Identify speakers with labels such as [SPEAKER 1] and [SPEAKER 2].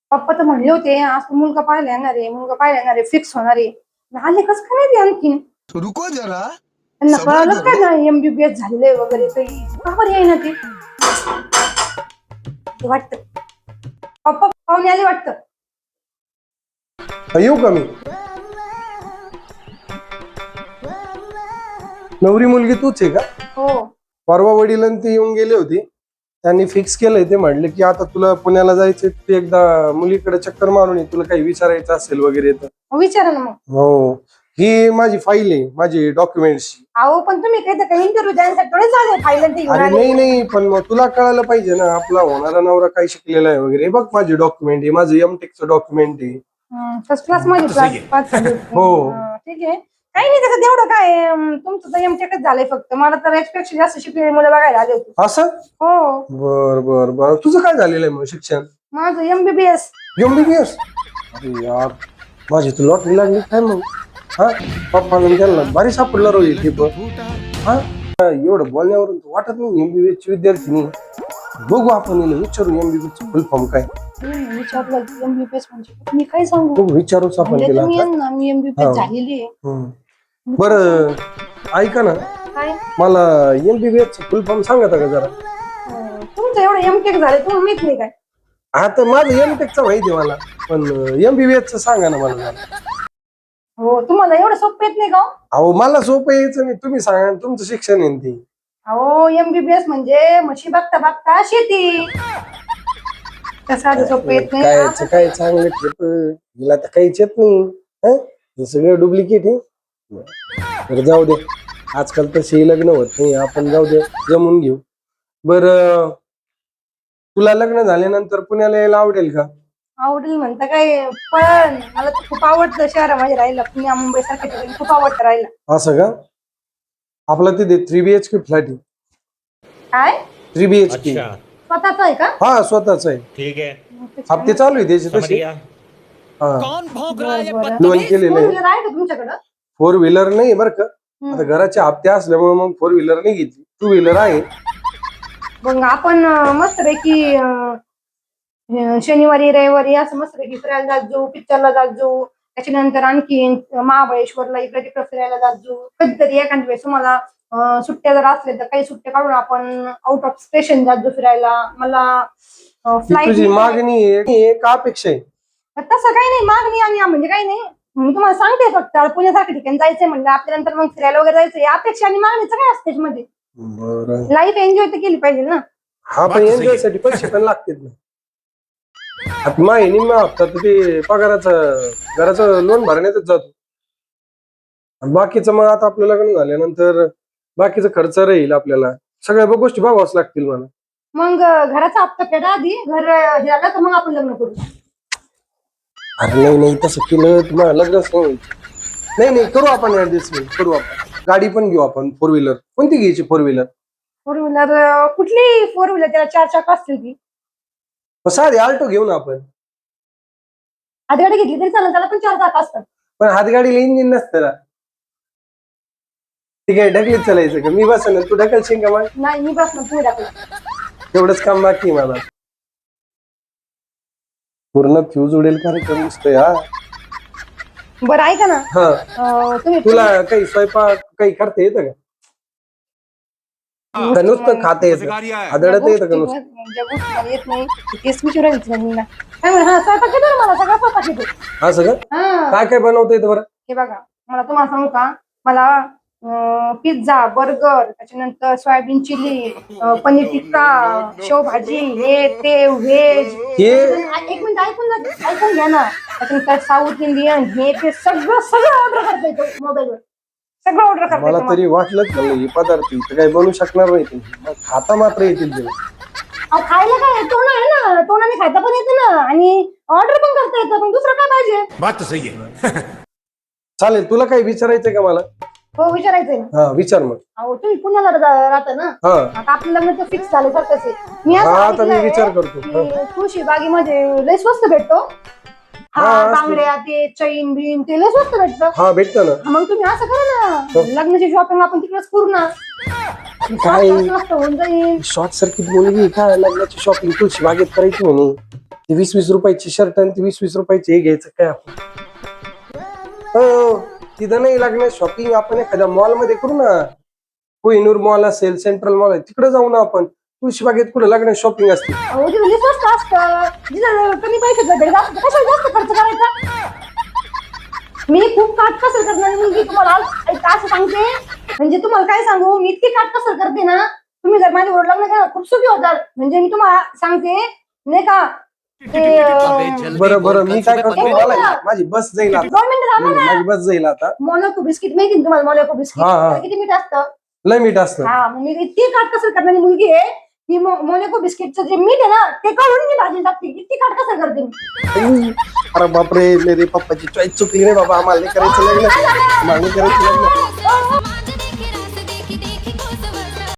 [SPEAKER 1] पप्पा तर म्हणले होते आज तू मुलगा पाहायला येणार आहे, मुलगा पाहायला येणार आहे, फिक्स होणार आहे. आले कस काय नाही ते आणखीन.
[SPEAKER 2] रुको जरा
[SPEAKER 1] त्यांना
[SPEAKER 2] सबर
[SPEAKER 1] कळालंच
[SPEAKER 2] करो.
[SPEAKER 1] काय ना MBBS झालेलं आहे वगैरे काही का बरं येईना ते. वाटतं पप्पा पाहुणे आले वाटतं.
[SPEAKER 3] येऊ का मी? नवरी मुलगी तूच आहे का?
[SPEAKER 1] हो.
[SPEAKER 3] परवा वडिलांनी ते येऊन गेले होते, त्यांनी फिक्स केलंय. ते म्हणले की आता तुला पुण्याला जायचंय, तू एकदा मुलीकडे चक्कर मारून ये, तुला काही विचारायचं असेल वगैरे तर.
[SPEAKER 1] विचारा ना मग.
[SPEAKER 3] हो, ही माझी फाईल आहे, माझी डॉक्युमेंट्स.
[SPEAKER 1] अहो पण तुम्ही काही इंटरव्ह्यू द्यायसाठी थोडे झाले फायनल ते घेऊन
[SPEAKER 3] अरे
[SPEAKER 1] आले.
[SPEAKER 3] नाही नाही, पण मग तुला कळायला पाहिजे ना आपला होणारा नवरा काय शिकलेला आहे वगैरे. बघ माझी डॉक्युमेंट आहे, माझं एमटेकचं डॉक्युमेंट आहे.
[SPEAKER 1] फर्स्ट क्लास मध्ये पास झाले होते.
[SPEAKER 3] हो.
[SPEAKER 1] ठीक आहे. काही नाही त्याचं तेवढं काय तुमचं तर एमटेकच झालंय फक्त. मला तर याच्यापेक्षा जास्त शिकलेली मुलं बघायला आले होते.
[SPEAKER 3] असं?
[SPEAKER 1] हो.
[SPEAKER 3] बर बर बर, तुझं काय झालेलं आहे मग शिक्षण?
[SPEAKER 1] माझं MBBS.
[SPEAKER 3] MBBS? अरे यार, माझी तर लॉटरी लागली काय मग? हा, पप्पा त्यांना भारी सापडला रोहित हे पण. हा, एवढं बोलण्यावरून तर वाटत नाही MBBS ची विद्यार्थी नाही. बघू आपण हिला विचारू MBBS चं फुल फॉर्म काय.
[SPEAKER 1] विचारलं MBBS म्हणजे मी काय सांगू.
[SPEAKER 3] बघू, विचारूच आपण
[SPEAKER 1] म्हणले
[SPEAKER 3] तिला
[SPEAKER 1] तुम्ही
[SPEAKER 3] आता.
[SPEAKER 1] यांना मी MBBS झालेली आहे.
[SPEAKER 3] बरं ऐका ना,
[SPEAKER 1] काय
[SPEAKER 3] मला MBBS चं फुल फॉर्म सांगता का जरा?
[SPEAKER 1] तुमचं एवढं MTech झालं तुम्हाला माहित नाही काय.
[SPEAKER 3] आता माझं एमटेकचं माहिती आहे मला, पण MBBS चं सांगा ना मला जरा.
[SPEAKER 1] हो तुम्हाला एवढं सोपं येत नाही का हो?
[SPEAKER 3] अहो मला सोपं यायचं नाही, तुम्ही सांगा, तुमचं शिक्षण आहे ना ते.
[SPEAKER 1] अहो MBBS म्हणजे म्हशी बघता बघता शेती. कसं सोपं येत नाही.
[SPEAKER 3] काय काय चांगलं ठेप हिला तर काहीच येत नाही. हं? हे सगळं डुप्लिकेट आहे. बरं जाऊ दे, आजकाल तसे लग्न होत नाही, आपण जाऊ दे, जमून घेऊ. बरं तुला लग्न झाल्यानंतर पुण्याला यायला आवडेल का?
[SPEAKER 1] आवडेल म्हणता काय, पण मला तर खूप आवडतं शहरामध्ये राहायला. पुण्या मुंबई सारख्या ठिकाणी खूप आवडतं राहायला.
[SPEAKER 3] असं का? आपला तिथे 3BHK फ्लॅट आहे.
[SPEAKER 1] काय
[SPEAKER 3] 3BHK
[SPEAKER 1] स्वतःच आहे का?
[SPEAKER 3] हा, स्वतःच आहे.
[SPEAKER 4] ठीक है,
[SPEAKER 3] हप्ते चालू आहे त्याचे
[SPEAKER 4] समझ
[SPEAKER 3] तसे.
[SPEAKER 4] गया.
[SPEAKER 3] हा,
[SPEAKER 4] कौन भौंक रहा है ये
[SPEAKER 1] बरं.
[SPEAKER 4] बदतमीज?
[SPEAKER 3] लोन केलेलं
[SPEAKER 1] फोर
[SPEAKER 3] आहे.
[SPEAKER 1] व्हीलर आहे का तुमच्याकडं?
[SPEAKER 3] 4 व्हीलर नाही बरं का, आता घराचे हप्ते असल्यामुळे मग 4 व्हीलर नाही घेतली, 2 व्हीलर आहे.
[SPEAKER 1] मग आपण मस्तपैकी शनिवारी रविवारी असं मस्तपैकी फिरायला जात जाऊ, पिक्चरला जात जाऊ. त्याच्यानंतर आणखी महाबळेश्वरला इकडे तिकडे फिरायला जात जाऊ. कधीतरी एखाद्या वेळेस तुम्हाला सुट्ट्या जर असल्या तर काही सुट्ट्या काढून आपण आउट ऑफ स्टेशन जात जाऊ फिरायला. मला
[SPEAKER 3] ती तुझी
[SPEAKER 1] फ्लाईट
[SPEAKER 3] मागणी आहे का अपेक्षा आहे?
[SPEAKER 1] तसं काही नाही मागणी आणि म्हणजे काही नाही. मी तुम्हाला सांगते फक्त पुण्यासारख्या ठिकाणी जायचंय म्हणलं आपल्यानंतर मग फिरायला वगैरे जायचंय. अपेक्षा आणि मागणीचं काय असते त्याच्यामध्ये.
[SPEAKER 3] बरं,
[SPEAKER 1] लाईफ एन्जॉय तर केली पाहिजे ना.
[SPEAKER 3] हा पण एन्जॉय साठी पैसे पण लागतात ना. आता माही निम्मा हप्ता तर ते पगाराचं घराचं लोन भरण्यातच जातो. आणि बाकीचं मग आता आपलं लग्न झाल्यानंतर बाकीचा खर्च राहील, आपल्याला सगळ्या गोष्टी बघावंच लागतील मला.
[SPEAKER 1] मग घराचा हप्ता फेडा आधी, घर हे झालं तर मग आपण लग्न करू.
[SPEAKER 3] अरे नाही नाही, तसं केलं तुम्हाला लग्नच नाही होईल. नाही नाही, करू आपण ऍडजस्टमेंट करू. आपण गाडी पण घेऊ, आपण 4 व्हीलर. कोणती घ्यायची 4 व्हीलर?
[SPEAKER 1] 4 व्हीलर कुठली 4 व्हीलर, त्याला 4 चाक असतील ती.
[SPEAKER 3] साधी आल्टो घेऊ ना आपण.
[SPEAKER 1] हातगाडी घेतली तरी चालेल, त्याला पण 4 चाक असतात.
[SPEAKER 3] पण हातगाडीला इंजिन नसतं ना. ठीक आहे, ढकलीत चालायचं का? मी बसन तू ढकलशील का? मग
[SPEAKER 1] नाही मी बस ना तुम्ही टाकला.
[SPEAKER 3] तेवढंच काम बाकी आहे मला. पूर्ण फ्यूज उडेल कार्यक्रम दिसतोय हा.
[SPEAKER 1] बरं ऐका ना,
[SPEAKER 3] हा,
[SPEAKER 1] तुम्ही
[SPEAKER 3] तुला काही स्वयंपाक काही करता येतं का? का नुसतं खाता येतं, आदळत येतं का नुसतं?
[SPEAKER 1] ज्या गोष्टी मला येत नाही तेच विचारायचं नाही ना. काय म्हणा, हा स्वयंपाक येतो ना मला, सगळा स्वयंपाक येतो.
[SPEAKER 3] असं का?
[SPEAKER 1] हा
[SPEAKER 3] काय काय बनवता येतं बरं?
[SPEAKER 1] हे बघा, मला तुम्हाला सांगू का, मला पिझ्झा, बर्गर, त्याच्यानंतर सोयाबीन चिली, पनीर टिक्का, शेवभाजी, हे ते व्हेज.
[SPEAKER 3] हे
[SPEAKER 1] एक मिनिट ऐकून घ्या ना. त्याच्यानंतर साऊथ इंडियन, हे ते सगळं सगळं ऑर्डर करता येतं मोबाईलवर. सगळं ऑर्डर करता
[SPEAKER 3] मला
[SPEAKER 1] येतं
[SPEAKER 3] तरी वाटलंच म्हणलं हे पदार्थ इथं काही बनवू शकणार नाही ते. मग खाता मात्र येतील ते.
[SPEAKER 1] अहो खायला काय तोंड आहे ना, तोंडाने खाता पण येतं ना आणि ऑर्डर पण करता येतं. पण दुसरं काय पाहिजे.
[SPEAKER 4] बात तो सही है.
[SPEAKER 3] चालेल, तुला काही विचारायचंय का मला?
[SPEAKER 1] हो विचारायचंय ना.
[SPEAKER 3] हा, विचार मग.
[SPEAKER 1] अहो तुम्ही पुण्याला राहता ना.
[SPEAKER 3] हा
[SPEAKER 1] आता आपलं लग्न तर फिक्स झालं सारखंच आहे. मी असं
[SPEAKER 3] हा, आता मी
[SPEAKER 1] ऐकलंय
[SPEAKER 3] विचार करतो.
[SPEAKER 1] की तुळशी बागेमध्ये लय स्वस्त भेटतो.
[SPEAKER 3] हा,
[SPEAKER 1] हा
[SPEAKER 3] असं.
[SPEAKER 1] बांगड्या ते चैन बिन ते लय स्वस्त भेटतं.
[SPEAKER 3] हा, भेटतं ना.
[SPEAKER 1] मग तुम्ही असं करा ना, लग्नाची शॉपिंग आपण तिकडेच करू ना.
[SPEAKER 3] काय
[SPEAKER 1] स्वस्त होऊन जाईल.
[SPEAKER 3] शॉर्ट सर्किट मुलगी काय लग्नाची शॉपिंग तुळशी बागेत करायची म्हणे. ती 20-20 रुपयाची शर्ट आणि ती 20-20 रुपयाची हे घ्यायचं काय आपण. हो तिथं नाही लागणार शॉपिंग, आपण एखाद्या मॉल मध्ये करू ना. कोहिनूर मॉल असेल, सेंट्रल मॉल आहे, तिकडे जाऊ ना आपण. तुळशीबागेत कुठे लागणार शॉपिंग असते.
[SPEAKER 1] अहो ते म्हणजे स्वस्त असतं, जिथं कमी पैशात भेटत असतं कशाला जास्त खर्च करायचा. मी खूप काटकसर करणारी मुलगी, तुम्हाला एक असं सांगते. म्हणजे तुम्हाला काय सांगू, मी इतकी काटकसर करते ना, तुम्ही जर माझ्याबरोबर लग्न केलं खूप सुखी होतात. म्हणजे मी तुम्हाला सांगते नाही का ते
[SPEAKER 3] बरं बरं मी काय करतो, मला माझी बस जाईल आता.
[SPEAKER 1] 2 मिनिटं थांबा ना.
[SPEAKER 3] माझी बस जाईल आता.
[SPEAKER 1] मोनाको बिस्किट माहिती ना तुम्हाला, मोनाको बिस्किट
[SPEAKER 3] हा, हा.
[SPEAKER 1] त्याला किती मीठ असतं.
[SPEAKER 3] लय मीठ असतं.
[SPEAKER 1] हा मग मी इतकी काटकसर करणारी मुलगी आहे की मोनाको बिस्किटचं जे मीठ आहे ना ते काढून मी भाजी टाकते, इतकी काटकसर करते मी.
[SPEAKER 3] अरे बापरे, मेरे पप्पाची चॉईस चुकली रे बाबा. आम्हाला नाही करायचं लग्न, आम्हाला नाही करायचं लग्न.